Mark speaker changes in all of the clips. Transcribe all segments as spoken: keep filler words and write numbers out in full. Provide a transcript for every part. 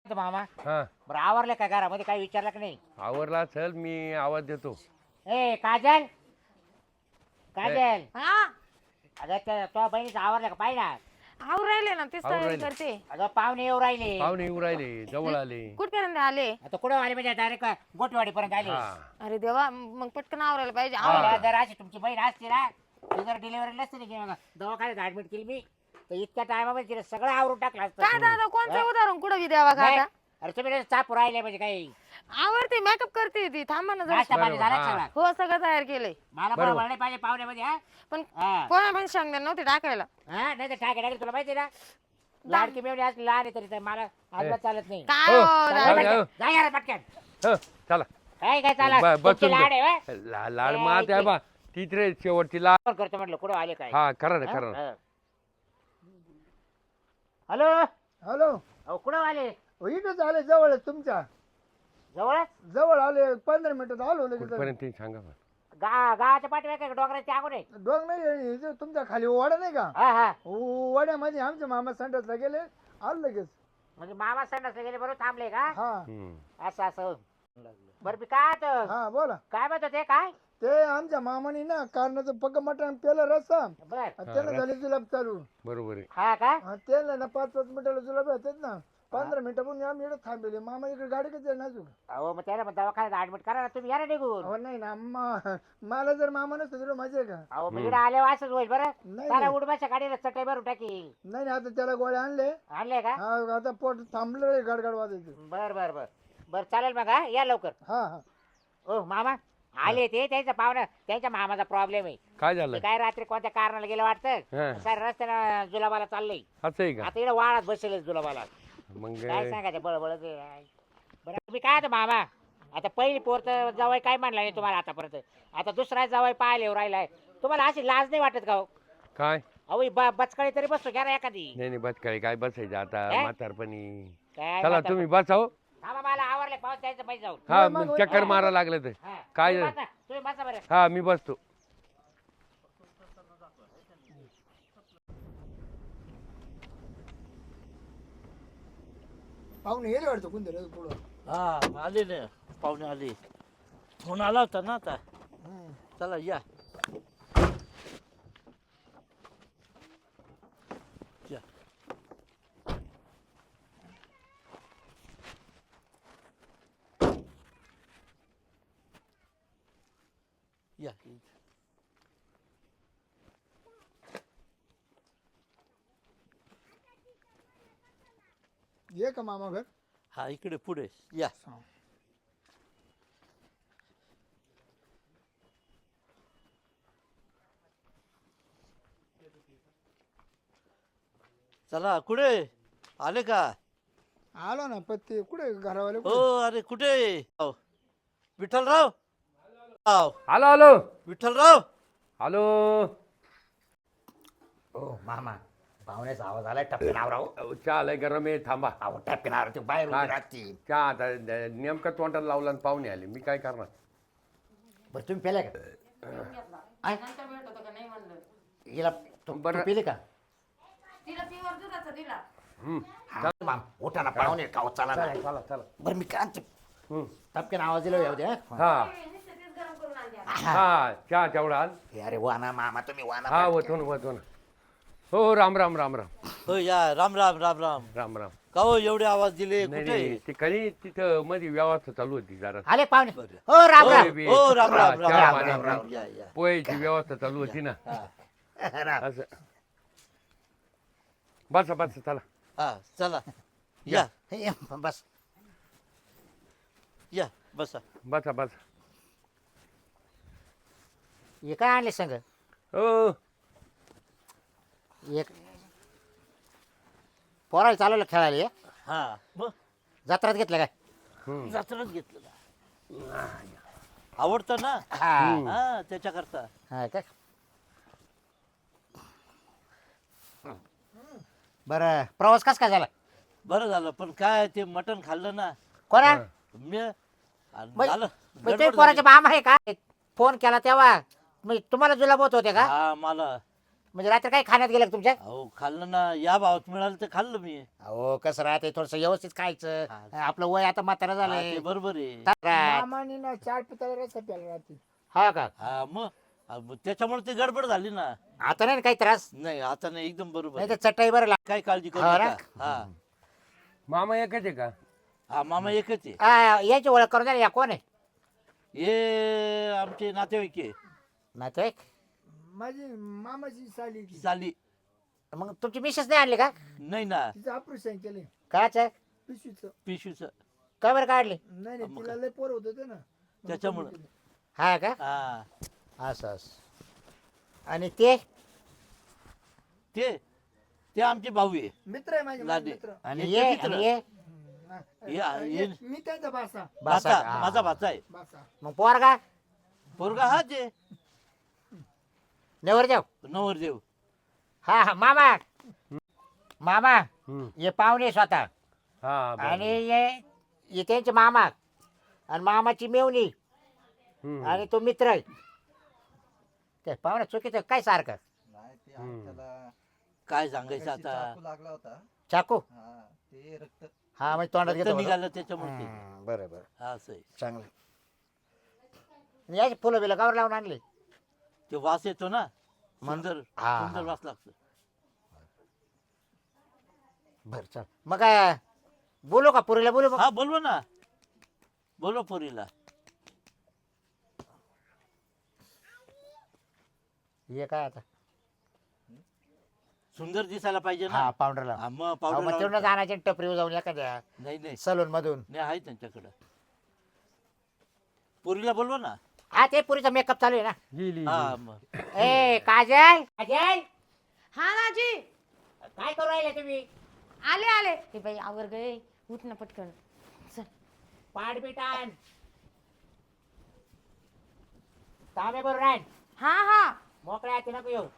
Speaker 1: मामा
Speaker 2: हा
Speaker 1: बरं आवरले का घरामध्ये काही विचारलं का नाही?
Speaker 2: आवरला चल मी आवाज देतो.
Speaker 1: ए काजल काजल
Speaker 3: हा
Speaker 1: अगं त्या तो बहिणीचं आवरलं का पाहिजे ना?
Speaker 3: आऊ राहिले ना तेच
Speaker 2: आवरून
Speaker 3: तयारी
Speaker 2: राहिले.
Speaker 3: करते.
Speaker 1: अगं पाहुणे येऊ राहिले.
Speaker 2: पाहुणे येऊ राहिले जवळ आले.
Speaker 3: कुठपर्यंत आले?
Speaker 1: आता कुठं आले म्हणजे डायरेक्ट गोटवाडी पर्यंत आले.
Speaker 2: हा
Speaker 3: अरे देवा मग पटकन आवरायला पाहिजे.
Speaker 2: हा.
Speaker 3: आवरा.
Speaker 1: आवडलं जर अशी तुमची बहीण असती ना ती जर डिलिव्हरी नसती ना किंवा दवाखान्यात ऍडमिट केली मी तर इतक्या टायमामध्ये तिला सगळं आवरून टाकलं असतं.
Speaker 3: काय दादा कोणचं
Speaker 1: हा?
Speaker 3: उदाहरण कुठं बी द्यावा का
Speaker 1: नाही.
Speaker 3: आता?
Speaker 1: अरे तुम्ही चाप राहिले म्हणजे काही
Speaker 3: आवडते मेकअप करते ती. थांबा ना जरा.
Speaker 1: नाश्ता पाणी
Speaker 2: बरोबर,
Speaker 1: झाला
Speaker 2: हा.
Speaker 1: सगळा.
Speaker 3: हो सगळं तयार केलंय.
Speaker 1: मला
Speaker 2: बरोबर.
Speaker 1: बरोबर नाही पाहिजे पाहुण्यामध्ये हा
Speaker 3: पण
Speaker 1: हा.
Speaker 3: कोणा पण सांगणार नव्हते टाकायला.
Speaker 1: हा नाही तर टाके टाके तुला माहिती ना लाडकी मेवणी असली लहान आहे तरी तर मला अजिबात चालत नाही.
Speaker 3: काय
Speaker 2: हो,
Speaker 3: हो
Speaker 1: चला,
Speaker 2: जाऊ,
Speaker 3: दादा?
Speaker 2: जाऊ.
Speaker 1: जा यार पटकन.
Speaker 2: हो, चला
Speaker 1: काय काय चाला
Speaker 2: ब-
Speaker 1: तुमची
Speaker 2: बसून
Speaker 1: लाड आहे
Speaker 2: घे.
Speaker 1: व्हय?
Speaker 2: ला- लाड
Speaker 1: ए,
Speaker 2: मा त्या
Speaker 1: इथे.
Speaker 2: बा तीच रे शेवटची लाड.
Speaker 1: फोन करतो म्हटलं कुठं आले काय
Speaker 2: हा करा ना
Speaker 1: हा?
Speaker 2: करा ना.
Speaker 1: हा. हॅलो
Speaker 4: हॅलो
Speaker 1: अहो कुठं आले
Speaker 4: हो, इथंच आले जवळ आहे तुमच्या
Speaker 1: जवळच
Speaker 4: जवळ आले पंधरा मिनिटात आलो लगेच
Speaker 2: कुठपर्यंत ते सांगा बरं.
Speaker 1: गा गावाच्या पाठीवर काय डोंगराच्या आगून आहे
Speaker 4: डोंग नाही हे जे तुमच्या खाली वाडा नाही का
Speaker 1: हा हा
Speaker 4: वाड्यामध्ये आमचे मामा संडासला गेले आलो लगेच
Speaker 1: म्हणजे मामा संडासला गेले बरोबर थांबले का
Speaker 4: हा
Speaker 2: हम्म.
Speaker 1: असं असं बरं मी काय होतं?
Speaker 4: हा बोला
Speaker 1: काय म्हणतो ते काय
Speaker 4: ते आमच्या मामानी ना कारणाचं पक्क मटण पेलं रस्ता
Speaker 1: बर
Speaker 4: आणि त्याला
Speaker 2: हा,
Speaker 4: झाले जुलाब चालू
Speaker 2: बरोबर आहे.
Speaker 1: हा का
Speaker 4: हा, त्याला ना पाच पाच मिनिटाला जुलाब येतात ना पंधरा मिनिटापून आम्ही इकडे थांबले मामा इकडे गाडी कधी आहे नाजूक
Speaker 1: अहो मग त्याला मग दवाखान्यात ऍडमिट करा ना तुम्ही या ना निघून
Speaker 4: अहो नाही ना मा- मला जर मामा नसतं तुला मजा आहे का
Speaker 1: अहो मग इकडे आले असंच होईल बरं
Speaker 4: नाही
Speaker 1: त्याला
Speaker 4: नाही.
Speaker 1: उडबाच्या गाडीला चटई भरून टाकी
Speaker 4: नाही नाही, आता त्याला गोळ्या आणले
Speaker 1: आणले का
Speaker 4: हा आता पोट थांबलं गाडगाड वाजायचं
Speaker 1: बर बर बर बर चालेल मग हा या लवकर
Speaker 4: हा हा
Speaker 1: ओ मामा आले ते त्यांचा पाहुणा त्यांच्या मामाचा प्रॉब्लेम आहे
Speaker 2: काय
Speaker 1: ते
Speaker 2: झालं
Speaker 1: काय रात्री कोणत्या कारणाला गेलं
Speaker 2: हा.
Speaker 1: वाटतं सर रस्त्यानं जुलाबाला चाललंय
Speaker 2: असं आहे का
Speaker 1: आता इकडे वाळात बसेल जुलाबाला
Speaker 2: मग
Speaker 1: काय सांगायचं बळबळ बरं तुम्ही काय आता मामा आता पहिली पोर तर जवळ काय म्हणला नाही तुम्हाला आतापर्यंत आता दुसरा जवळ पाहायला येऊ राहिलाय तुम्हाला अशी लाज नाही वाटत का हो?
Speaker 2: काय
Speaker 1: अहो ही ब- बचकाळी तरी बसतो घ्या ना एखादी
Speaker 2: नाही नाही बस काय काय बसायचं आता
Speaker 1: काय?
Speaker 2: म्हातारपणी.
Speaker 1: काय
Speaker 2: चला
Speaker 1: म्हणता?
Speaker 2: तुम्ही बसाव.
Speaker 1: थांबा मला आवडले पाऊस द्यायचं पाहिजे जाऊन
Speaker 2: हा
Speaker 4: मग-
Speaker 2: मग चक्कर मारा लागलं तर
Speaker 1: हा,
Speaker 2: काय
Speaker 1: तुम्ही बसा, तुम्ही बसा बरं
Speaker 2: हा मी बसतो.
Speaker 4: पाहुणे गेले वाटतं कोणतरी पुढं
Speaker 5: हा आले ना पाहुणे आले फोन आला होता ना आता चला या या. या
Speaker 4: ये का मामा घर
Speaker 5: हा इकडे पुढे या चला कुठे आले का
Speaker 4: आलो ना पत्ते कुठे घरावाले
Speaker 5: हो अरे कुठे आव. विठ्ठलराव आव
Speaker 2: आलो आलो
Speaker 5: विठ्ठलराव
Speaker 2: आलो.
Speaker 1: हो मामा पाहुण्याचा आवाज आलाय टपकन आवराव
Speaker 2: अहो, चहा आलाय गरम आहे थांबा.
Speaker 1: अहो टपकन आवरा ते बाहेर
Speaker 2: काय?
Speaker 1: उभी राहतील
Speaker 2: चहा आता द- नेमकं तोंडाला लावला आणि पाहुणे आले मी काय करणार.
Speaker 1: बरं तुम्ही पेले का
Speaker 3: नंतर भेट होतं का नाही म्हणलं.
Speaker 1: हिला तुम
Speaker 2: बरं.
Speaker 1: बरं पेले का
Speaker 3: तिला प्युअर दुधाचा दिला.
Speaker 2: हम्म.
Speaker 1: हा, माम उठा ना पाहुणे खाऊ चला ना
Speaker 2: चला चला चला.
Speaker 1: बरं मी काय आणतो?
Speaker 2: हम्म.
Speaker 1: टपकन आवाज दिला येऊ द्या
Speaker 2: हा
Speaker 3: नुसतं तेच गरम करून आणते.
Speaker 2: हा चहा तेवढा आण.
Speaker 1: हे अरे वाना मामा तुम्ही वाना
Speaker 2: हा
Speaker 1: पटकन.
Speaker 2: वतो ना वतो ना. हो राम राम राम राम
Speaker 5: हो या राम राम राम राम
Speaker 2: राम राम.
Speaker 5: का हो एवढे आवाज दिले
Speaker 2: नाही
Speaker 5: कुठे
Speaker 2: नाही ते काही तिथं मध्ये व्यवस्था चालू होती जरा.
Speaker 1: आले पाहुणे
Speaker 5: बरं.
Speaker 1: हो राम
Speaker 5: हो,
Speaker 1: राम
Speaker 2: बी-
Speaker 5: हो राम
Speaker 2: हा,
Speaker 5: राम राम
Speaker 2: चहा
Speaker 5: राम
Speaker 2: पाणी.
Speaker 5: राम राम या या
Speaker 2: पोहेची व्यवस्था चालू होती ना
Speaker 1: राम.
Speaker 2: असं. बसा बसा चला.
Speaker 5: हा चला या
Speaker 1: हे, बस
Speaker 5: या बसा
Speaker 2: बसा बसा.
Speaker 1: हे काय आणले संग
Speaker 2: हो
Speaker 1: एक पोराला चालवलं खेळायला हे?
Speaker 5: हा मग
Speaker 1: जत्रात घेतलं काय
Speaker 2: हम्म.
Speaker 5: जत्राच घेतलं ना आवडतं ना
Speaker 1: हा
Speaker 5: हा त्याच्याकरता
Speaker 1: हा काय बरं प्रवास कस काय झाला
Speaker 5: बरं झालं पण काय ते मटण खाल्लं ना
Speaker 1: कोणा
Speaker 5: मी आणि
Speaker 1: मग-
Speaker 5: झालं
Speaker 1: मग ते
Speaker 5: गडबड
Speaker 1: पोराचे
Speaker 5: झाली.
Speaker 1: मामा आहे का फोन केला तेव्हा मग तुम्हाला जुलाब होत होते का
Speaker 5: हा मला
Speaker 1: म्हणजे रात्री काही खाण्यात गेलं का तुमच्या
Speaker 5: अहो खाल्लं ना, या भावात मिळालं तर खाल्लं मी.
Speaker 1: अहो कसं राहते थोडस व्यवस्थित खायचं
Speaker 5: हा.
Speaker 1: आपलं वय आता म्हातारा
Speaker 5: हा,
Speaker 1: झालंय
Speaker 5: ते बरोबर आहे.
Speaker 1: हा
Speaker 4: मामानी ना चार पिताला रस्ता प्यायला राहते.
Speaker 1: का
Speaker 5: हा मग हा, मग त्याच्यामुळे ते गडबड झाली ना.
Speaker 1: आता नाही ना काही त्रास
Speaker 5: नाही आता नाही, एकदम बरोबर
Speaker 1: नाही
Speaker 5: आहे.
Speaker 1: तर चटई बरं
Speaker 5: काय काळजी करू
Speaker 1: हो ना?
Speaker 5: नका. हा
Speaker 2: मामा एकच आहे का?
Speaker 5: हा मामा एकच आहे.
Speaker 1: लाग याची ओळख करून द्या ना, या कोण आहे
Speaker 5: हे आमचे नातेवाईक आहे.
Speaker 1: नातेवाईक
Speaker 4: माझी मामाची साली ती.
Speaker 5: साली.
Speaker 1: मग तुमची मिसेस नाही आणली का
Speaker 5: नाही ना,
Speaker 4: तिचं ऑपरेशन केले
Speaker 1: काच
Speaker 4: पिशवीचं.
Speaker 5: पिशूच.
Speaker 1: काय बरं काढली
Speaker 4: नाही नाही
Speaker 5: मग
Speaker 4: तिला लय पोर होत होते ना मग
Speaker 5: त्याच्यामुळं.
Speaker 4: कमी केलं.
Speaker 1: हा का
Speaker 5: हा
Speaker 1: असं असं आणि ते
Speaker 5: ते ते आमचे भाऊ आहे.
Speaker 4: मित्र आहे माझे माझे
Speaker 5: लादे.
Speaker 4: मित्र.
Speaker 1: आणि
Speaker 5: हे
Speaker 1: ये
Speaker 5: किती
Speaker 1: आणि
Speaker 5: रा-
Speaker 1: ये
Speaker 4: हा.
Speaker 5: हे- हे-
Speaker 4: मी त्यांचा बासा
Speaker 1: बासा
Speaker 5: भाचा,
Speaker 1: का?
Speaker 5: माझा भाचा आहे.
Speaker 4: बासा
Speaker 1: मग पोरगा
Speaker 5: पोरगा हाच आहे.
Speaker 1: नेवर जाऊ
Speaker 5: नवरदेव.
Speaker 1: हा हा मामा मामा
Speaker 2: हम्म.
Speaker 1: ये पाहुणे स्वतः
Speaker 2: हा बरं.
Speaker 1: आणि ये ये त्यांचे मामा आणि मामाची मेवणी
Speaker 2: हम्म.
Speaker 1: आणि तो मित्र आहे ते पाहुणे चुकीचं काय सारखं
Speaker 6: नाही ते
Speaker 2: हम्म.
Speaker 6: आम्ही त्याला
Speaker 5: काय सांगायचं
Speaker 6: मगाशी
Speaker 5: आता.
Speaker 6: चाकू लागला होता.
Speaker 1: चाकू
Speaker 6: हा ते रक्त
Speaker 1: हा म्हणजे तोंडात
Speaker 5: रक्त
Speaker 1: घेतो बरं.
Speaker 5: निघालं त्याच्यामुळे ते.
Speaker 1: हम्म, बरं बरं
Speaker 5: हा, असं आहे.
Speaker 1: चांगलं आणि याची फुलं बिलं गावर लावून आणली
Speaker 5: ते वास येतो ना,
Speaker 1: मग-
Speaker 5: सुंदर
Speaker 1: हा,
Speaker 5: सुंदर
Speaker 1: हा.
Speaker 5: वास लागतो.
Speaker 1: बरं चल मग काय बोलू का पुरीला बोलू मग
Speaker 5: हा बोलवा ना, बोलवा पोरीला.
Speaker 1: ये काय आता
Speaker 5: सुंदर दिसायला पाहिजे
Speaker 1: हा
Speaker 5: ना.
Speaker 1: पावडरला
Speaker 5: हा, मग
Speaker 1: अहो,
Speaker 5: पावडर
Speaker 1: मग तेवढं
Speaker 5: लावून-
Speaker 1: जाण्याचे टपरीवर जाऊन एखाद्या
Speaker 5: नाही नाही
Speaker 1: सलून मधून
Speaker 5: नाही आहे त्यांच्याकडं. पोरीला बोलवा ना.
Speaker 1: हा ते पुरीचा मेकअप चालू आहे ना
Speaker 2: गेली
Speaker 5: हा मग
Speaker 1: ए काजल काजल
Speaker 3: हा दाजी
Speaker 1: काय करू राहिले तुम्ही
Speaker 3: आले आले हे बाई आवर गए उठ ना पटकन चल
Speaker 1: पाठ बिटान तांबे बरोबर राहील
Speaker 3: हा हा
Speaker 1: मोकळ्या हाती नको येऊ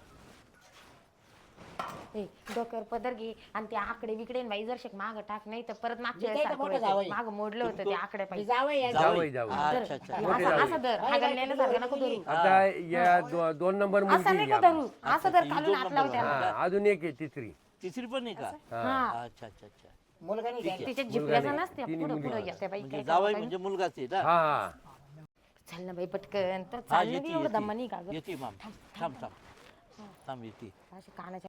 Speaker 3: ए डोक्यावर पदर घे आणि ते आकडे बिकडे न बाई जर शेक माग टाक नाही तर परत मागच्या
Speaker 1: मी काय तर मोठं जावई.
Speaker 3: माग मोडलं होतं ते आकडे
Speaker 1: मी
Speaker 3: पाहिजे
Speaker 1: जावं या
Speaker 2: जावई जावई
Speaker 5: अच्छा अच्छा.
Speaker 2: मोठे
Speaker 3: असं
Speaker 2: जावई.
Speaker 3: असं धर हागल नेल्यासारखं नको धरू
Speaker 2: आता या दो- दोन नंबर
Speaker 3: असं
Speaker 2: मुलगी
Speaker 3: नाही
Speaker 2: आहे
Speaker 3: का
Speaker 2: आपली.
Speaker 3: धरू असं धर
Speaker 5: ही
Speaker 3: खालून
Speaker 5: दोन
Speaker 3: हात
Speaker 5: नंबर
Speaker 3: लाव त्याला
Speaker 5: आहे.
Speaker 2: हा, अजून एक आहे तिसरी
Speaker 5: तिसरी पण आहे का?
Speaker 2: हा.
Speaker 3: हा
Speaker 5: अच्छा अच्छा अच्छा.
Speaker 1: मुलगा नाही घ्यायचा.
Speaker 3: तिच्या
Speaker 2: मुलगा
Speaker 3: जिपल्याचा
Speaker 2: नाही.
Speaker 3: नसते
Speaker 2: तिन्ही
Speaker 3: पुढं
Speaker 2: मुली
Speaker 3: पुढं
Speaker 2: आहेत.
Speaker 3: येते बाई
Speaker 5: म्हणजे
Speaker 3: काय
Speaker 5: जावाई
Speaker 3: करावं
Speaker 5: म्हणजे मुलगाच आहे ना.
Speaker 2: हा हा
Speaker 3: काय? चल ना बाई पटकन तर
Speaker 5: हा
Speaker 3: चाल
Speaker 5: येते
Speaker 3: एवढं दम नाही का
Speaker 5: येते
Speaker 3: गं
Speaker 5: येते माम. थांब थांब थांब येते.
Speaker 3: अशी कानाच्या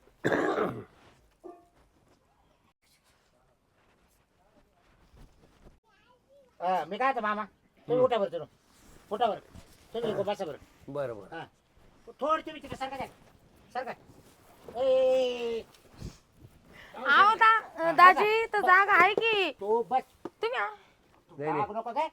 Speaker 1: हा, मी काय आता मामा तुम्ही उठा बरं तुम्ही उठा बरं तुम्ही इकडे बसा बरं
Speaker 2: बरं बरं
Speaker 1: हा थोड तुम्ही तिकडे सरका द्या सरका ए
Speaker 3: आहो दा दाजी तर जागा आहे की
Speaker 1: तू बस
Speaker 3: तुम्ही आ-
Speaker 2: नाही, नाही.
Speaker 1: बाग नको काय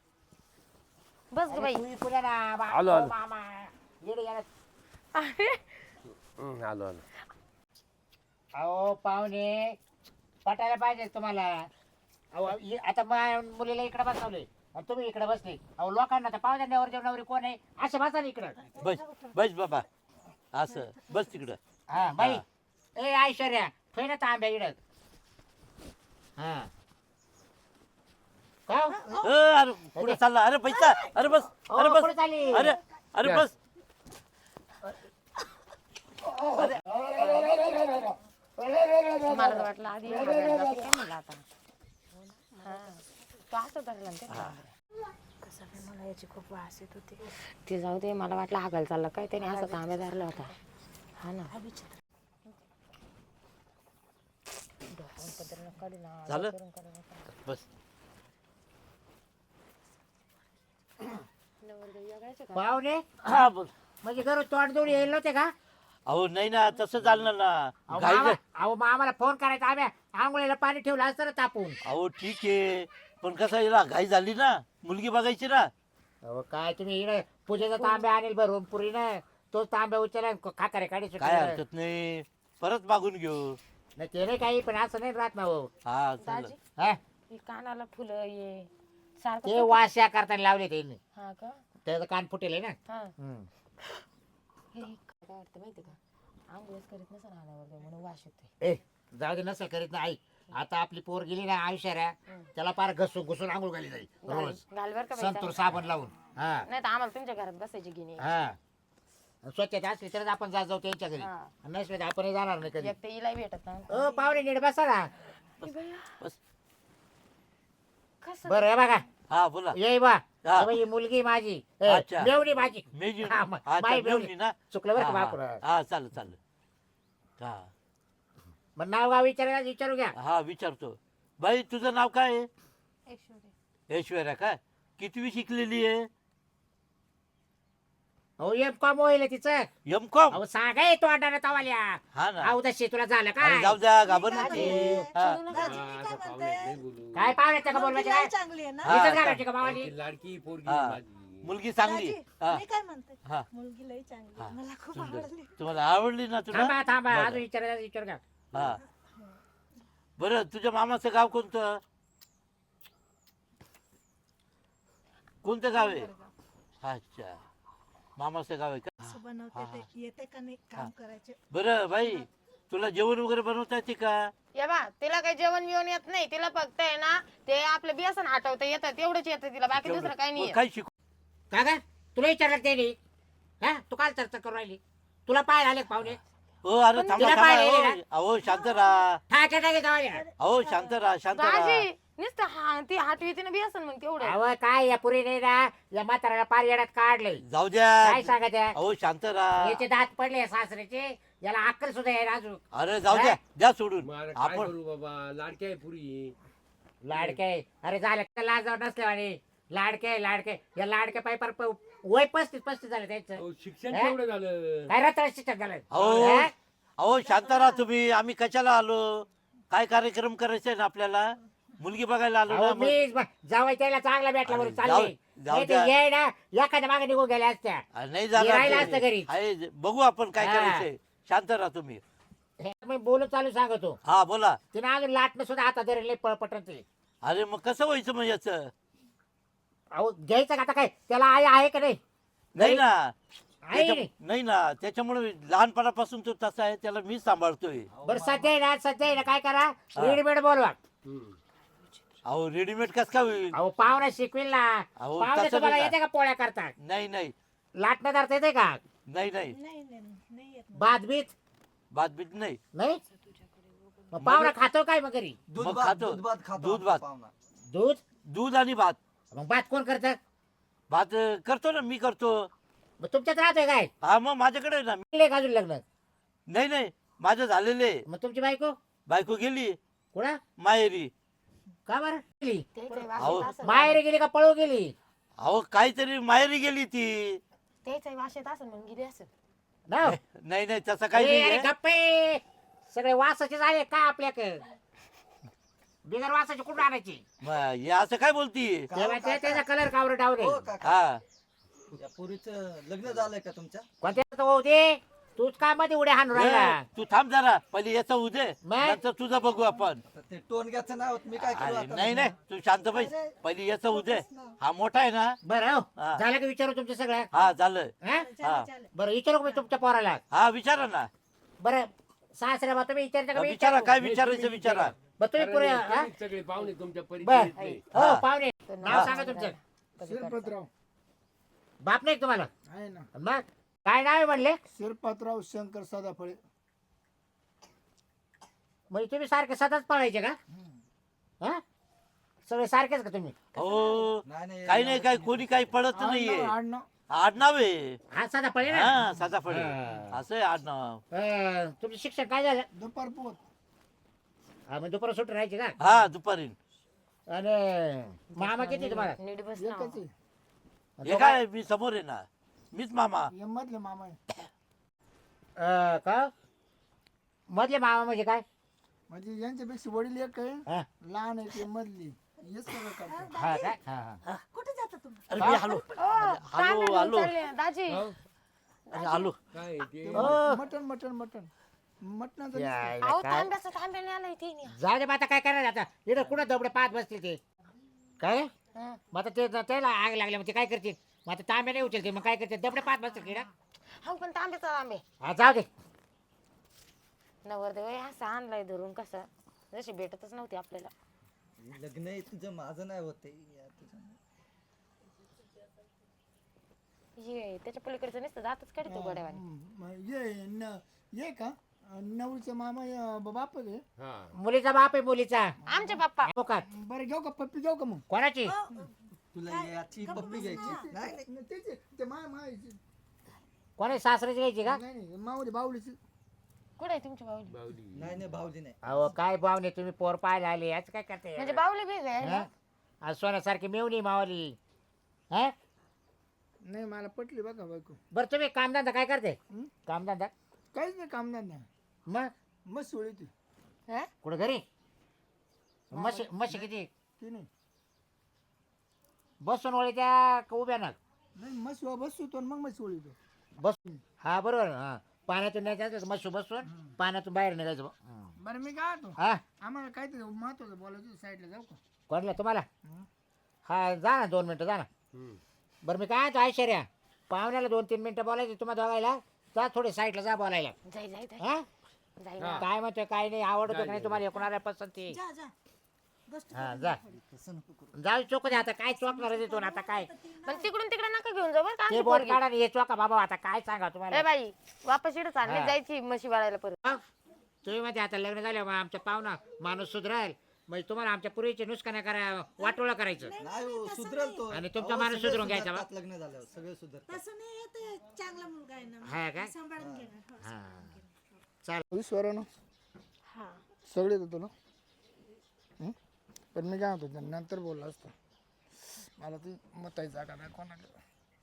Speaker 3: बस ग बाई
Speaker 1: तू पुढे ना बा-
Speaker 2: आलो, आलो.
Speaker 1: ओ मामा येडे येडे.
Speaker 3: अरे
Speaker 2: हम्म, आलो आलो
Speaker 1: अहो पाहुणे पटायला पाहिजे तुम्हाला अहो इ- आता मा- मुलीला इकडे बसवले आणि तुम्ही इकडे बसले अहो लोकांना तर पाहुण्या नवर जेवणावर कोण आहे असं बसा ना इकडं
Speaker 5: बस बस बाबा असं बस तिकडं.
Speaker 1: हा बाई ए ऐश्वर्या ठेव ना तांब्या इकडं हा का हो?
Speaker 5: अ, अरे पुढे चालला. अरे पैसा. अरे बस अरे
Speaker 1: अहो,
Speaker 5: बस
Speaker 1: कुठं चालली?
Speaker 5: अरे अरे बस.
Speaker 3: मला तर वाटलं आधी हागायला जाते काय म्हणलं आता हा तो असं धरलं ना ते कसं काय मला याची खूप वास येत होती ते जाऊ दे मला वाटलं हागायला चाललं काय त्याने असं तांब्या धरला होता हा ना डोक्यावर पदर नको काढू ना,
Speaker 5: झालं?
Speaker 3: करून काढू नका.
Speaker 5: बस.
Speaker 3: नवरदेव वेगळाच आहे का?
Speaker 1: पाहुणे
Speaker 5: हा बोल.
Speaker 1: म्हणजे घरून तोंड जोडी येईल नव्हते का
Speaker 5: अहो नाही ना तसं चालणार ना.
Speaker 1: अहो
Speaker 5: घाई
Speaker 1: मामा- अहो मामाला फोन करायचा आम्ही आंघोळीला पाणी ठेवलं असतं ना तापून
Speaker 5: अहो ठीक आहे पण कसं याला घाई झाली ना, मुलगी बघायची ना.
Speaker 1: अहो काय तुम्ही इकडे पूजेचा तांब्या आणेल भरून पुरी ना तो तांब्या उचला खाकारे काढी
Speaker 5: काय
Speaker 1: सुटले.
Speaker 5: हरकत नाही, परत मागून घेऊ.
Speaker 1: नाही ते नाही काही पण असं नाही राहत ना हो
Speaker 5: हा चालेल.
Speaker 3: दाजी
Speaker 1: हा?
Speaker 3: ही कानाला फुलं ये सारखं
Speaker 1: ते
Speaker 3: तो-
Speaker 1: वास्या करताना लावले त्यांनी
Speaker 3: हा का
Speaker 1: त्याचं कान फुटेल आहे ना
Speaker 3: हा
Speaker 1: हम्म.
Speaker 3: हे काय वाटतं माहिती का आंघोळच करीत नसा राहण्यावर म्हणून वास येतोय
Speaker 1: ए जाऊ दे नसेल करीत ना आई आता आपली पोर गेली ना आयुष्याऱ्या त्याला पार घसून घुसून आंघोळ घाली जाईल रोज
Speaker 3: घाल बर का बाई
Speaker 1: संतूर
Speaker 3: चांगलं.
Speaker 1: साबण लावून हा
Speaker 3: नाही तर आम्हाला तुमच्या घरात बसायची गिनी
Speaker 1: हा स्वच्छता असली तरच आपण जात जाऊ त्यांच्या घरी
Speaker 3: हा.
Speaker 1: नसले तर आपण जाणार नाही कधी
Speaker 3: एक तर हिलाही भेटत नाही
Speaker 1: ओ पाहुणे नीट बसा ना
Speaker 5: बस.
Speaker 3: कसं
Speaker 1: बरं हे बघा
Speaker 5: हा बोला
Speaker 1: ये बा
Speaker 5: हा.
Speaker 1: हे बघ, ही मुलगी माझी ए,
Speaker 5: अच्छा.
Speaker 1: मेवणी माझी
Speaker 5: मेजी
Speaker 1: हा, म-
Speaker 5: अच्छा,
Speaker 1: बाई
Speaker 5: मेवणी
Speaker 1: मेवणी.
Speaker 5: ना
Speaker 1: चुकलं बरं का
Speaker 5: हा,
Speaker 1: बापूर
Speaker 5: हा हा, चालेल चालेल हा
Speaker 1: मग नाव गाव विचारायला विचारू घ्या
Speaker 5: हा विचारतो बाई तुझं नाव काय आहे ऐश्वर्या काय कितवी शिकलेली आहे
Speaker 1: अहो एम कॉम होईल तिचं
Speaker 5: एम कॉम
Speaker 1: अहो सांगाय तो अड्डा तवाल्या
Speaker 5: हा ना
Speaker 1: अहो तशी तुला झालं
Speaker 5: अरे
Speaker 1: काय
Speaker 5: जाऊ द्या घाबर
Speaker 7: काय
Speaker 5: नको.
Speaker 7: म्हणते?
Speaker 5: हा.
Speaker 7: दाजी, मी काय म्हणते?
Speaker 1: काय पाहुण्याचं का
Speaker 7: मुलगी
Speaker 1: बोलवायचं
Speaker 7: लय
Speaker 1: काय
Speaker 7: चांगली आहे ना
Speaker 5: हा.
Speaker 1: इथंच घालायची का मावाली
Speaker 2: लाडकी पोरगी
Speaker 5: हा.
Speaker 2: आहे माझी.
Speaker 5: मुलगी चांगली
Speaker 7: दाजी,
Speaker 5: हा
Speaker 7: मी काय म्हणते
Speaker 5: हा.
Speaker 7: मुलगी लय चांगली
Speaker 5: हा.
Speaker 7: आहे. मला खूप
Speaker 5: सुंदर.
Speaker 7: आवडली
Speaker 5: तुम्हाला आवडली ना तुला
Speaker 1: थांबा थांबा
Speaker 5: बरं.
Speaker 1: अजून विचारायला विचारू घ्या
Speaker 5: हा बरं तुझ्या मामाचं गाव कोणतं कोणतं गाव आहे अच्छा मामाचं गाव आहे का
Speaker 7: असं बनवते ते येते का नाही काम करायचे
Speaker 5: बरं बाई तुला जेवण वगैरे बनवता येते का
Speaker 3: या बा तिला काही जेवण बिवण येत नाही तिला फक्त आहे ना ते आपलं बेसन हटवता येतं तेवढंच येतं तिला बाकी दुसरं काही नाही
Speaker 5: मग
Speaker 3: येत.
Speaker 5: काही शिकू
Speaker 1: का ग तुला विचारलं त्याने हा तू काल चर्चा करू राहिली तुला पाय आले का पाहुणे
Speaker 5: हो अरे थांबा
Speaker 1: तिला
Speaker 5: थांबा
Speaker 1: पाहिलं
Speaker 5: अहो,
Speaker 1: ना?
Speaker 5: अहो शांत राहा
Speaker 1: ठाके टाके जावाल्या
Speaker 5: अहो शांत राहा शांत राहा
Speaker 3: दाजी नुसतं हा ती हटवी ना बेसन मग तेवढं
Speaker 1: अहो काय या पुरीने ना या म्हाताऱ्याला पार येड्यात काढलंय
Speaker 5: जाऊ
Speaker 1: काय
Speaker 5: द्या
Speaker 1: सांगा त्या
Speaker 5: अहो शांत राहा
Speaker 1: याचे दात पडले सासऱ्याचे याला अक्कल सुद्धा आहे अजून
Speaker 5: अरे जाऊ द्या द्या सोडून
Speaker 2: मग आता काय
Speaker 5: आपण
Speaker 2: करू बाबा लाडकी आहे पुरी
Speaker 1: लाडके अरे झालं लाज नसले आणि लाडके लाडके या लाडके पाय पार प- वय पस्तीस पस्तीस झालं त्यांचं
Speaker 2: अहो, शिक्षण
Speaker 1: हा?
Speaker 2: केवढं झालं
Speaker 1: काय रत्न शिक्षक झालं
Speaker 5: अहो
Speaker 1: हा?
Speaker 5: अहो शांत राहा तुम्ही आम्ही कशाला आलो काय कार्यक्रम करायचा आहे ना आपल्याला मुलगी बघायला आलो
Speaker 1: अहो,
Speaker 5: ना मग.
Speaker 1: मी जावं त्याला चांगला भेटला बरोबर
Speaker 5: अरे,
Speaker 1: चालले
Speaker 5: जाऊ- जाऊ
Speaker 1: नाही ते
Speaker 5: द्या.
Speaker 1: ये ना एखाद्या मागे निघून गेल्या असत्या
Speaker 5: अरे, नाही
Speaker 1: मी राहिलं
Speaker 5: झालं
Speaker 1: असतं घरीच.
Speaker 5: आहे, बघू आपण काय
Speaker 1: हा.
Speaker 5: करायचंय शांत राहा तुम्ही
Speaker 1: हे मी बोलून चालू सांगतो
Speaker 5: हा बोला
Speaker 1: तिने अजून लाटणं सुद्धा हातात धरले पळपटन ते
Speaker 5: अरे मग कसं व्हायचं मग याचं
Speaker 1: अहो घ्यायचं का आता काय त्याला आई आहे का नाही
Speaker 5: नाही ना
Speaker 1: आहे
Speaker 5: त्याच्या-
Speaker 1: नाही.
Speaker 5: नाही ना त्याच्यामुळे लहानपणापासून तो तसा आहे त्याला मी सांभाळतोय
Speaker 1: बरं सध्या आहे ना सध्या आहे ना काय करा
Speaker 5: हा.
Speaker 1: रेडीमेड बोलवा
Speaker 2: हम्म.
Speaker 5: अहो रेडीमेड कस काय होईल
Speaker 1: अहो पाहुणा शिकविल ना
Speaker 5: अहो,
Speaker 1: पाहुणे
Speaker 5: तसं
Speaker 1: तुम्हाला
Speaker 5: नाही
Speaker 1: येते का पोळ्या करतात
Speaker 5: नाही नाही
Speaker 1: लाटणं धरता येते का
Speaker 5: नाही नाही
Speaker 7: नाही नाही नाही येत मला.
Speaker 1: भात बीत
Speaker 5: भात बीत नाही
Speaker 1: नाही मग पाहुणा खातो काय मग घरी
Speaker 6: दूध
Speaker 5: मग
Speaker 6: भात
Speaker 5: खातो.
Speaker 6: दूध भात खातो
Speaker 5: दूध
Speaker 6: आमचा
Speaker 5: भात.
Speaker 6: पाहुणा.
Speaker 1: दूध
Speaker 5: दूध आणि भात
Speaker 1: मग भात कोण करत
Speaker 5: भात अं, करतो ना मी करतो
Speaker 1: मग तुमच्यात राहतोय काय
Speaker 5: हा मग माझ्याकडे आहे ना
Speaker 1: केले का अजून लग्न
Speaker 5: नाही नाही माझं झालेले
Speaker 1: मग तुमची बायको
Speaker 5: बायको गेली
Speaker 1: कुणा
Speaker 5: माहेरी
Speaker 1: का बरं गेली
Speaker 3: त्याचं
Speaker 5: अहो,
Speaker 3: वाशेत असं
Speaker 1: माहेर गेली का पळू गेली
Speaker 5: अहो काहीतरी माहेरी गेली ती
Speaker 3: त्याचं वाशेत असं मग गेली असं
Speaker 1: ना
Speaker 5: नाही नाही तसं काही
Speaker 1: ए,
Speaker 5: नाही
Speaker 1: अरे
Speaker 5: आहे.
Speaker 1: गप्पे सगळे वासाचे झाले का आपल्याक बिगर वासाचे कुठून आणायची
Speaker 5: मग हे असं काय बोलती
Speaker 1: तेव्हा ते- त्याचा कलर कावर डावरे
Speaker 6: हो काका
Speaker 5: हा
Speaker 6: या पोरीचं लग्न झालंय का तुमच्या
Speaker 1: कोणत्या होऊ दे तूच काय मध्ये उड्या हाणून राहिला
Speaker 5: ए, तू थांब जरा पहिले याचा उदे
Speaker 1: मग?
Speaker 5: नंतर तुझं बघू आपण
Speaker 6: आता ते टोनग्याचं नाव मी काय करू
Speaker 5: अरे
Speaker 6: आता
Speaker 5: नाही नाही तू शांत बैस पहिले याचा उदे हा मोठा आहे ना
Speaker 1: बरं हो
Speaker 5: हा.
Speaker 1: झालं का विचारू तुमच्या सगळ्या
Speaker 5: हा झालं
Speaker 1: हा?
Speaker 5: हा
Speaker 1: बरं विचारू का मी तुमच्या पोराला
Speaker 5: हा विचारा ना
Speaker 1: बरं सासऱ्या बा तुम्ही विचारता का मी
Speaker 5: विचारा
Speaker 1: विचारू?
Speaker 5: काय विचारायचं विचारा
Speaker 1: बरं तुम्ही पुरे हा?
Speaker 2: कारण तुम्ही सगळे पाहुणे तुमच्या
Speaker 1: बर
Speaker 2: परिचयातले.
Speaker 1: हो
Speaker 5: हा.
Speaker 1: पाहुणे नाव सांगा तुमचं
Speaker 4: शिरपतराव
Speaker 1: बाप नाही का तुम्हाला
Speaker 4: आहे ना
Speaker 1: मग काय नाव आहे म्हणले
Speaker 4: शिरपतराव शंकर सदाफळे
Speaker 1: म्हणजे तुम्ही सारखे सदाच पळायचे का हा सगळे सारखेच का तुम्ही
Speaker 5: हो
Speaker 6: नाही नाही
Speaker 5: काही नाही काही कोणी काही पडत नाहीये
Speaker 4: आडनाव आडनाव
Speaker 5: आडनाव आहे
Speaker 1: हा सदा पळे ना
Speaker 5: हा साधा फळे
Speaker 1: हा.
Speaker 5: असं आहे आडनाव
Speaker 1: अं, तुमचं शिक्षण काय झालं
Speaker 4: दुपार पोत
Speaker 1: हा मग दुपार सुट्टी राहायची का
Speaker 5: हा दुपारी
Speaker 1: आणि मामा किती तुम्हाला
Speaker 3: नीट बस ना.
Speaker 4: एकच आहे.
Speaker 5: हे काय मी समोर आहे ना मीच मामा
Speaker 4: हे मधले मामा आहे.
Speaker 1: अं, का मधले मामा म्हणजे काय
Speaker 4: म्हणजे यांच्यापेक्षा वडील एक आहे
Speaker 1: हा
Speaker 4: लहान आहे ते मधली हेच सगळं करतात
Speaker 1: हा काय हा हा
Speaker 7: कुठे जाता तुम्ही
Speaker 5: अरे मी आलो
Speaker 3: तांबे
Speaker 5: आलो
Speaker 3: घेऊन
Speaker 5: आलो
Speaker 3: चालले. दाजी
Speaker 5: अरे आलो
Speaker 2: काय ते
Speaker 1: हो.
Speaker 4: मटन मटन मटन मटणाचं
Speaker 1: यायला
Speaker 3: अहो
Speaker 1: काय
Speaker 3: तांब्याचा तांब्याने आलाय ते
Speaker 1: जाऊ दे मग आता काय करणार आता इकडं कुठं दबडे पाच बसतील ते काय
Speaker 3: हा.
Speaker 1: मग आता ते त्याला आग लागल्या मग ते काय करतील मग आता तांबे नाही उचलते मग काय करते दबडे पाच बसतील किडा
Speaker 3: हो पण तांब्याचा तांबे
Speaker 1: हा जाऊ दे
Speaker 3: नवरदेव हे असं आणलाय धरून कसं जशी भेटतच नव्हती आपल्याला
Speaker 6: लग्न आहे तुझं माझं नाही होते
Speaker 3: ये त्याच्या पलीकडचं नसतं जातच काढतो गोड्यावाने.
Speaker 4: हं, ये न ये का नवरीचा मामा अं, बाप आहे.
Speaker 2: हा
Speaker 1: मुलीचा बाप आहे मुलीचा.
Speaker 3: आमचे पप्पा.
Speaker 1: हो का?
Speaker 4: बरं घेऊ का पप्पी घेऊ का मग?
Speaker 1: कोणाची?
Speaker 6: तुला याची पप्पी घ्यायची नाही नाही.
Speaker 4: न तेच आहे, ते माय मायची
Speaker 1: कोणी सासऱ्याची घ्यायची का?
Speaker 4: नाही नाही माऊली बावलीची.
Speaker 3: कुठे आहे तुमची बाहुली?
Speaker 2: बावली
Speaker 6: नाही नाही भाऊजी नाही.
Speaker 1: अहो काय पाहुणे तुम्ही पोर पाहायला आले याच काय करते?
Speaker 3: म्हणजे बाहुली बी आहे.
Speaker 1: हं? आज सोन्यासारखी मेवणी मावली. हा
Speaker 4: नाही मला पटली बघा बायको.
Speaker 1: बरं तुम्ही कामधंदा काय करते?
Speaker 4: हं?
Speaker 1: कामधंदा
Speaker 4: काहीच नाही कामधंदा.
Speaker 1: मग
Speaker 4: मस्त सोळी ती
Speaker 3: हं?
Speaker 1: कुठं घरी? म्हशी म्हशी किती?
Speaker 4: ती नाही
Speaker 1: बसून वळी त्या का उभ्या ना?
Speaker 4: नाही मस्त बसतो तो मग मस्त सोळी तो.
Speaker 1: बस हा बरोबर हा पाण्यातून नाही जायचं मस्त बसून पाण्यातून बाहेर निघायचं. हं.
Speaker 4: बरं मी काय तो
Speaker 1: हा
Speaker 4: आम्हाला काहीतरी महत्वाचं बोलायचं साईडला जाऊ का?
Speaker 1: कोणला तुम्हाला?
Speaker 4: हं.
Speaker 1: हा जा ना दोन मिनटं जा ना.
Speaker 2: हम्म.
Speaker 1: बरं मी काय तो ऐश्वर्या पाहुण्याला दोन तीन मिनटं बोलायचं तुम्हाला दोघायला. जा थोडे साईडला जा बोलायला.
Speaker 3: जाई जाई जाई
Speaker 1: हा
Speaker 3: जाई
Speaker 2: हा.
Speaker 1: काय म्हणतोय काय नाही आवडतो
Speaker 2: जा,
Speaker 1: का नाही
Speaker 2: जा,
Speaker 1: तुम्हाला कोणाला पसंती?
Speaker 7: जा जा गोष्ट
Speaker 1: हा जा
Speaker 6: तसं नको करू.
Speaker 1: जाऊ चोक दे आता काय चोकणार आहे तिथून आता काय
Speaker 3: पण तिकडून तिकडे नका घेऊन जाऊ बरं का
Speaker 1: ते
Speaker 3: आमची
Speaker 1: बोट
Speaker 3: पोरगी.
Speaker 1: काढा आणि हे चोका बाबा आता काय सांगा
Speaker 3: ए
Speaker 1: तुम्हाला.
Speaker 3: बाई वापस इकडे चालली
Speaker 1: हा.
Speaker 3: जायची म्हशी वाळायला परत.
Speaker 1: मग तुम्ही मध्ये आता लग्न झालं मग आमच्या पाहुणा माणूस सुधराल म्हणजे तुम्हाला आमच्या पूर्वीचे नुसकाना करा वाटोळा करायचं
Speaker 6: नाही हो, सुधरेल तो.
Speaker 1: आणि तुमचा
Speaker 6: अहो,
Speaker 1: माणूस
Speaker 6: सगळे
Speaker 1: सुधरून घ्यायचा बा.
Speaker 6: सुधारतात लग्न झाल्यावर सगळे सुधारतात.
Speaker 7: तसं नाही येते चांगला मुलगा आहे
Speaker 1: हा
Speaker 7: ना
Speaker 1: का?
Speaker 7: सांभाळून घेणार हो.
Speaker 1: हा चाल
Speaker 4: विश्वारानं
Speaker 3: हा
Speaker 4: सगळे येतो तुला. हं? पण मी काय होतो नंतर बोलला असतो. मला ती मताई जागा नाही कोणाला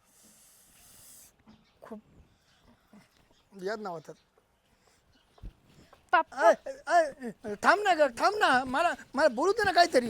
Speaker 4: खूप याद नाव होतात.
Speaker 3: पप्पा
Speaker 4: थांब ना ग थांब ना मला मला बोलू दे ना काहीतरी.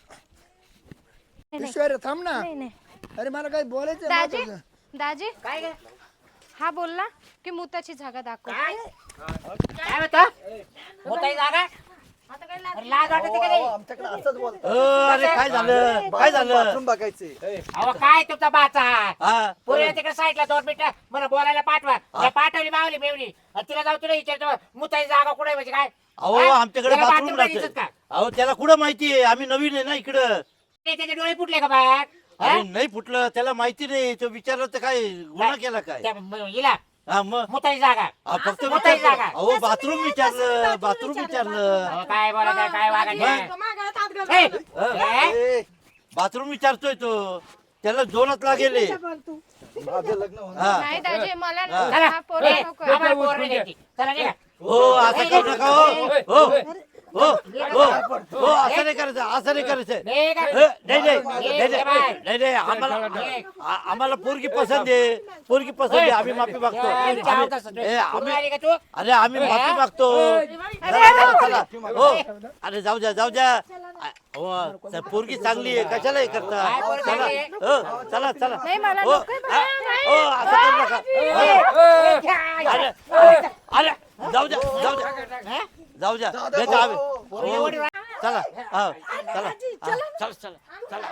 Speaker 4: ईश्वर थांब ना.
Speaker 3: नाही नाही
Speaker 4: अरे मला काही बोलायचं आहे
Speaker 8: दाजी
Speaker 4: महत्वाचं.
Speaker 8: दाजी
Speaker 1: काय ग?
Speaker 8: हा बोलला की मुताची जागा दाखव.
Speaker 1: काय काय म्हणतो मोठाई जागा? अरे लाज वाटते का
Speaker 6: अहो,
Speaker 1: नाही?
Speaker 6: आमच्याकडे असंच बोलतात.
Speaker 5: अरे काय झालं काय झालं
Speaker 6: बाथरूम बघायचे.
Speaker 1: अहो काय तुमचा बाचा
Speaker 5: हा
Speaker 1: पुढे तिकडे साईडला दोन मिनिटं मला बोलायला पाठवा. या पाठवली मावली मेवणी आणि तिला जाऊ तुला विचारतो मुताई जागा कुठे म्हणजे काय?
Speaker 5: अहो
Speaker 1: हा?
Speaker 5: आमच्याकडे
Speaker 1: त्याला
Speaker 5: बाथरूम
Speaker 1: bathroom नाही दिसत का?
Speaker 5: अहो त्याला कुठं माहिती आहे आम्ही नवीन आहे ना इकडं.
Speaker 1: ते त्याचे डोळे फुटले का बाहेर?
Speaker 5: अरे नाही फुटलं त्याला माहिती नाही तो विचारलं तर काय गुन्हा केला काय
Speaker 1: त्या म- हिला
Speaker 5: हा मग
Speaker 1: मुताई जागा
Speaker 5: हा, फक्त
Speaker 1: मुताई
Speaker 5: विचारलं.
Speaker 1: जागा.
Speaker 5: अहो बाथरूम विचारलं बाथरूम विचारलं
Speaker 1: अहो, काय बोलायचं काय वागायचं?
Speaker 7: मागायला हात घाल.
Speaker 1: ए, ए,
Speaker 5: ए, बाथरूम विचारतोय तो त्याला दोनच लागेल
Speaker 7: बोल तू.
Speaker 6: माझं लग्न होणार.
Speaker 5: हा
Speaker 8: नाही दाजी मला
Speaker 5: हा.
Speaker 1: चला.
Speaker 8: हा पोरगा
Speaker 1: ए,
Speaker 8: नको.
Speaker 1: आम्हाला पोर नाही द्यायची. चला निघा.
Speaker 5: हो असं करू नका हो हो हो हो हो असं नाही करायचं असं नाही करायचं
Speaker 1: निघा.
Speaker 5: ए, नाही नाही नाही नाही नाही नाही आम्हाला आ- आम्हाला पोरगी पसंत आहे पोरगी पसंत आहे आम्ही माफी मागतो
Speaker 1: ए,
Speaker 5: आम्ही-
Speaker 1: चावत असत.
Speaker 5: ए, आम्ही
Speaker 1: कुठून आली का तू?
Speaker 5: अरे आम्ही माफी मागतो चला, चला, चला. हो अरे जाऊ द्या जाऊ द्या आ- हो तर पोरगी चांगली आहे कशाला हे करता
Speaker 1: काय पोरगी
Speaker 5: चला
Speaker 1: चांगली आहे?
Speaker 5: हो चला चला
Speaker 8: नाही मला
Speaker 5: हो
Speaker 8: नकोय
Speaker 5: आ-
Speaker 8: बाबा,
Speaker 5: हो असं करू नका हो. अरे अरे अरे जाऊ द्या जाऊ द्या जाऊ द्या देतो आम्ही हो. चला हा चला हा, चला चला चला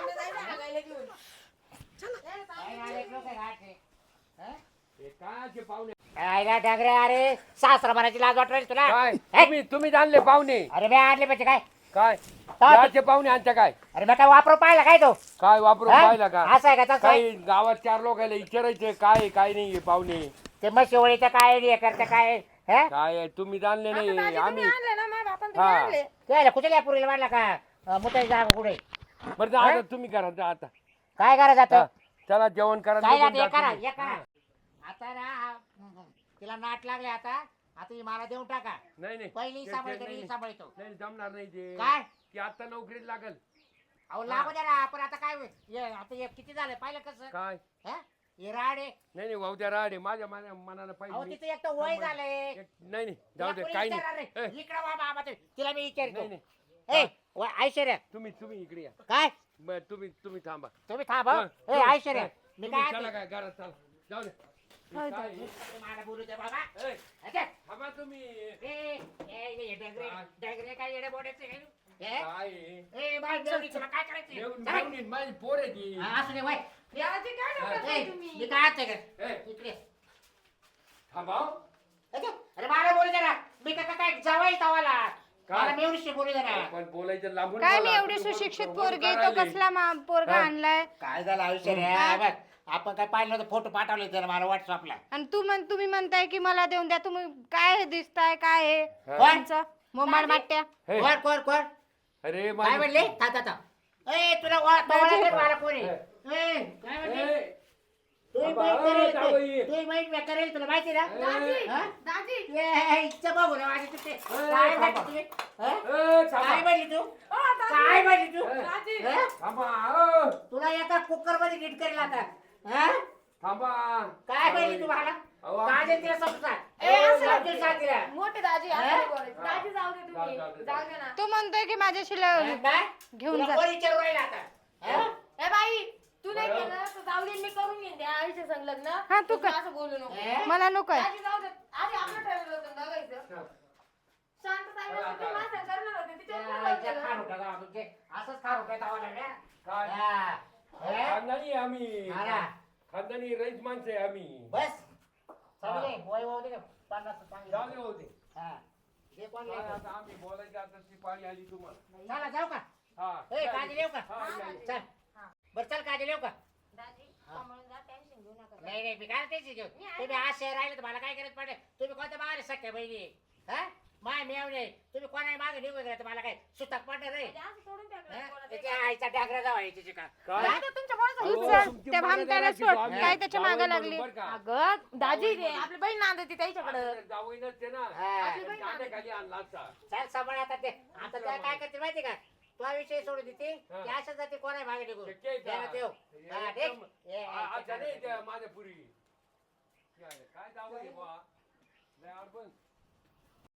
Speaker 2: काय पाहुणे
Speaker 1: आयला डागरे अरे सासरा म्हणायची लाज वाटत तुला
Speaker 2: काय
Speaker 1: हे?
Speaker 2: तुम्ही तुम्ही आणले पाहुणे
Speaker 1: अरे मी आणले पाहिजे काय
Speaker 2: काय
Speaker 1: काय?
Speaker 2: याचे पाहुणे आणता काय
Speaker 1: अरे मी काय वापरून पाहिला काय तो
Speaker 2: काय वापरून
Speaker 1: हा?
Speaker 2: पाहिला का
Speaker 1: असं आहे का तसं आहे?
Speaker 2: काही गावात चार लोकांना विचारायचे काय आहे, काय नाही पाहुणे
Speaker 1: ते मग शेवळीचं काय हे करतं काय हे?
Speaker 2: काय आहे, तुम्ही जाणले नाही आम्ही
Speaker 3: आणले ना माझ्या बापान तुम्ही
Speaker 2: हा.
Speaker 3: आणले.
Speaker 1: त्याला कुठे या पुरीला मांडला का अं, मुताई जागा कुठे
Speaker 2: बरं जा, आता तुम्ही करा जा आता
Speaker 1: काय करा जात
Speaker 2: हा, चला जेवण करा
Speaker 1: काय
Speaker 2: निघून
Speaker 1: जात
Speaker 2: जा
Speaker 1: करा
Speaker 2: तुम्ही.
Speaker 1: हे करा आता ना हा, तिला नाट लागले आता आता ही मला देऊन टाका
Speaker 2: नाही नाही
Speaker 1: पहिली
Speaker 2: ते-
Speaker 1: सांभाळतो
Speaker 2: ते-
Speaker 1: मी
Speaker 2: नाही,
Speaker 1: सांभाळतो
Speaker 2: नाही जमणार नाही ते
Speaker 1: काय
Speaker 2: की आता नोकरीत लागल
Speaker 1: अहो लागू द्या ना पण आता काय होईल? हे, आता हे किती झालं पाहिलं कसं
Speaker 2: काय
Speaker 1: हा? हे राड आहे
Speaker 2: नाही नाही भाऊ त्या राडे माझ्या मना- मनानं
Speaker 1: अहो
Speaker 2: पाहिजे
Speaker 1: तिचं एक तर वय झालंय
Speaker 2: एक- नाही नाही जाऊ दे काही नाही ए,
Speaker 1: इकडे बाबा आम्हा ते- तिला मी विचारतो
Speaker 2: नाही नाही
Speaker 1: ए व- ऐश्वर्या
Speaker 2: तुम्ही तुम्ही इकडे या
Speaker 1: काय
Speaker 2: बर तुम्ही तुम्ही थांबा
Speaker 1: तुम्ही थांब हं.
Speaker 2: हं,
Speaker 1: ए
Speaker 2: हं,
Speaker 1: ऐश्वर्या
Speaker 2: हं.
Speaker 1: मी
Speaker 2: तुम्ही
Speaker 1: काय
Speaker 2: चला
Speaker 1: ते-
Speaker 2: काय घरात चला जाऊ दे
Speaker 3: होय,
Speaker 2: काय
Speaker 3: दादा.
Speaker 2: आहे?
Speaker 1: मला बोलू दे बाबा
Speaker 2: ए,
Speaker 1: अच्छा.
Speaker 2: थांबा तुम्ही
Speaker 1: ए, ए, ए, डगरे डगरे काय येडे बोडायचे काय? ए,
Speaker 2: काय आहे?
Speaker 1: ए, बाळ मेवणी, तुला काय करायचंय?
Speaker 2: येऊन-
Speaker 1: चला.
Speaker 2: येऊन माझी पोर आहे ती
Speaker 1: हा, असू दे वय
Speaker 3: दाजी काय डोक्यात
Speaker 1: ए,
Speaker 3: आहे तुम्ही?
Speaker 1: मी काय आणते का
Speaker 2: ए,
Speaker 1: इकडे
Speaker 2: थांबा हो.
Speaker 1: अच्छा. अरे मला बोलू दे ना मी का काय जावाय तवाला
Speaker 2: काय?
Speaker 1: मला मेवणीशी बोलू दे ना
Speaker 2: पण बोलायचं लांबून
Speaker 8: काय मी
Speaker 2: बोला.
Speaker 8: एवढी
Speaker 2: तुम्ही
Speaker 8: सुशिक्षित
Speaker 2: बोलू
Speaker 8: पोरगी तो
Speaker 2: करायले.
Speaker 8: कसला मा- पोरगा
Speaker 2: हा.
Speaker 8: आणलाय
Speaker 1: काय झालं आयुष्य रे बघ आपण काय पाहिलं नव्हतं फोटो पाठवले त्याला मला व्हॉट्सअपला.
Speaker 8: आणि तू म्हण तुम्ही म्हणताय की मला देऊन द्या. तुम्ही काय हे दिसताय काय हे
Speaker 1: कोण
Speaker 8: मोमाड माट्या.
Speaker 2: हे,
Speaker 1: कोण कोण कोण
Speaker 2: अरे
Speaker 1: काय
Speaker 2: माझी-
Speaker 1: म्हणले था था था ए तुला ओळख ओळख मला कोणी ए काय म्हणले
Speaker 2: ए,
Speaker 1: तू
Speaker 2: बाबा,
Speaker 1: माहित करेल
Speaker 2: जावई.
Speaker 1: तू माहित मी करेल तुला माहिती ना
Speaker 8: दाजी
Speaker 1: हा?
Speaker 8: दाजी
Speaker 1: ए इच्छा बघू ना माझी तुझे काय
Speaker 2: थांबा.
Speaker 1: म्हणली तुम्ही हा?
Speaker 2: ए, थांबा.
Speaker 1: काय म्हणली तू काय म्हणली तू
Speaker 8: दाजी
Speaker 1: हा?
Speaker 2: थांबा अ,
Speaker 1: तुला एका कुकर मध्ये नीट करेल आता हा?
Speaker 2: थांबा
Speaker 1: काय म्हणली तू मला
Speaker 2: अहो,
Speaker 1: काय दे तिला समजा
Speaker 8: ए, असं
Speaker 1: समजून सांग तिला
Speaker 3: मोठे दाजी असं
Speaker 1: हा?
Speaker 3: नाही बोलायचं. दाजी जाऊ दे तुम्ही
Speaker 2: जाऊ दे,
Speaker 3: जाऊ दे ना.
Speaker 8: तो म्हणतोय की माझ्याशी ल-
Speaker 1: हा, काय?
Speaker 8: घेऊन
Speaker 1: तुला
Speaker 8: जा.
Speaker 1: कोण विचारू राहिला आता हा?
Speaker 3: ए बाई तू नाही केलं तर जाऊ दे मी करून घेईन त्या आईच्या संग लग्न.
Speaker 8: हा, तू
Speaker 3: तू
Speaker 8: कर.
Speaker 3: असं बोलू नको.
Speaker 1: हे?
Speaker 8: मला नकोय.
Speaker 3: दाजी जाऊ दे आधी आपलं ठरवलं होतं ना बघायचं. शांत जायला होते माझं करणार होते तिच्यावर
Speaker 1: त्या
Speaker 3: बोलायचं
Speaker 1: इथे
Speaker 3: ना.
Speaker 1: खार उठा जावा तुमचे. असंच खार उठा जावा लागल्या.
Speaker 2: काय?
Speaker 1: हा. हे?
Speaker 2: खानदानी आहे आम्ही
Speaker 1: हा ना.
Speaker 2: खानदानी रईस माणसं आहे आम्ही
Speaker 1: बस चांगले वय वाहू दे का? पन्नास चांगले.
Speaker 2: जाऊ दे होते
Speaker 1: हा. हे कोण
Speaker 2: काय
Speaker 1: लिहिलं?
Speaker 2: आता आम्ही बोलायची आता ती पाळी आली तुम्हाला
Speaker 1: चला जाऊ का
Speaker 2: हा
Speaker 1: ए काजल येऊ का
Speaker 2: हा, या, या.
Speaker 1: चल बरं चल काजल येऊ का
Speaker 3: दाजी सांभाळून जा टेन्शन घेऊ नका.
Speaker 1: नाही नाही मी काय टेन्शन घेऊ तुम्ही आज शहर राहिले तर मला काय करत पडेल तुम्ही कोणत्या मागे सख्या बहिणी हा माय मेवणे तुम्ही कोणा मागे निघून गेला तर मला काय सुतक पडणार रे
Speaker 3: दाजी असं सोडून टाकलं
Speaker 1: हा?
Speaker 3: बोलायचं.
Speaker 1: त्याच्या आईचा डागरा जावा आहे तिची का
Speaker 2: काय?
Speaker 3: दादा तुमच्यामुळे
Speaker 8: तू
Speaker 2: अहो,
Speaker 8: चल,
Speaker 2: तुमची
Speaker 8: त्या
Speaker 2: मर्यादा
Speaker 8: भामट्याला
Speaker 2: राखी
Speaker 8: सोड.
Speaker 2: जाऊ.
Speaker 8: काय त्याच्या
Speaker 2: जावई
Speaker 8: मागं
Speaker 2: म्हणून
Speaker 8: लागली?
Speaker 2: बरं का?
Speaker 3: अगं दाजी रे आपली बहीण नांदती त्याच्याकडं.
Speaker 2: आता जावई नसते ना
Speaker 1: हा.
Speaker 2: खाली आणला असता
Speaker 1: चल सांभाळ आता ते आता त्या काय करते माहिती का तुला विषय सोडून देते
Speaker 2: हा.
Speaker 1: की अशा जाते कोणा मागे निघून
Speaker 2: शक्य आहे का?
Speaker 1: ध्यानात ठेव. हा, ठीक?
Speaker 2: एकदम-
Speaker 1: ये,
Speaker 2: आ-
Speaker 1: ये,
Speaker 2: अच्छा नाही
Speaker 1: ये.
Speaker 2: त्या माझ्या पुरी काय जावई बुवा लय अडचण.